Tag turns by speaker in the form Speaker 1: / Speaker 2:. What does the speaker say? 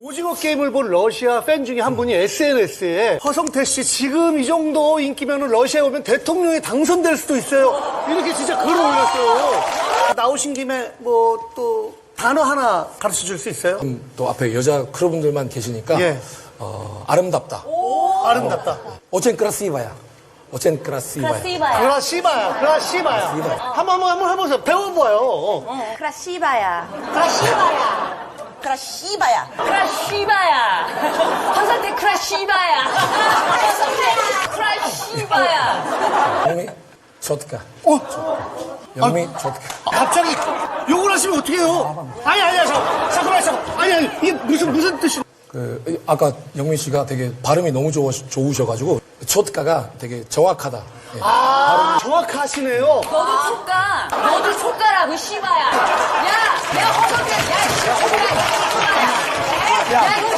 Speaker 1: 오징어 게임을 본 러시아 팬 중에 한 분이 SNS에 허성태 씨 지금 이 정도 인기면은 러시아에 오면 대통령에 당선될 수도 있어요. 이렇게 진짜 글을 올렸어요. 나오신 김에 뭐 또 단어 하나 가르쳐 줄 수 있어요?
Speaker 2: 또 앞에 여자 크루분들만 계시니까
Speaker 1: 예.
Speaker 2: 아름답다.
Speaker 1: 아름답다.
Speaker 2: 오첸 크라시바야. 오첸 크라시바야.
Speaker 1: 크라시바야. 크라시바야. 한번 해보세요. 배워봐요.
Speaker 3: 크라시바야.
Speaker 4: 크라시바야. 크라시바야.
Speaker 3: 크라시바야. 허선태 크라시바야. 크라시바야.
Speaker 2: 영미 좋드까. 영미 좋드까.
Speaker 1: 갑자기 욕을 하시면 어떡해요? 아니, 잠깐만. 아니, 이게 무슨 뜻이?
Speaker 2: 아까 영민 씨가 되게 발음이 너무 좋으셔가지고 초트가가 되게 정확하다. 예.
Speaker 1: 정확하시네요.
Speaker 3: 너도 촉가. 너도 촉가라고 씨바야. 야, 내가 허선태. 야, 씨바야. 야, 이거